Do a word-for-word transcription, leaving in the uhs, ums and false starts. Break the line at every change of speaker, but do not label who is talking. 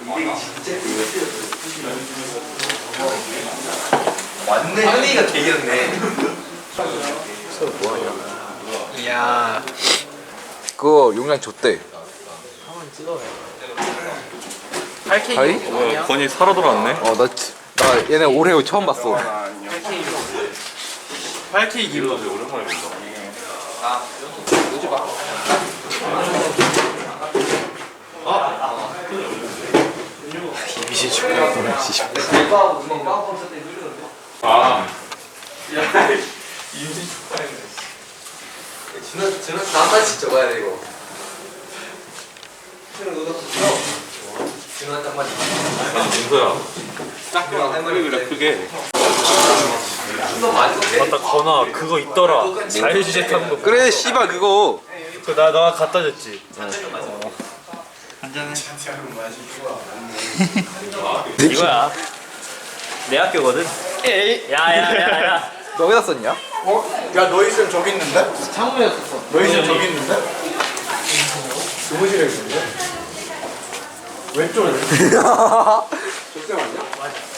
완전 향리가 개겼네.
이야.
그거 용량 줬대.
한번 찍어요. 팔 케이크.
하이?
뭐야, 건이 살아 돌아왔네.
어, 나, 지- 나 얘네 오레오 처음 봤어.
팔 케이크.
오랜만에 본다.
미시 축하.
아,
지난 지난 나만 진짜 적어야 돼 이거. 지난 한 마리.
아니 민서야.
딱 한 마리
그래 크게.
너 많이 먹게.
맞다 건아 그거 있더라. 자유주제 타는 거.
그래, 씨발, 그거.
그나 너가 갖다 줬지. 이거야. 내 학교거든. 야야야야.
너 어디다 썼냐?
어? 야 너희 쌤 저기 있는데?
창문이었어.
너희 쌤 저기 있는데? 교무실에 있는데? 왼쪽에 저쌤 아니야?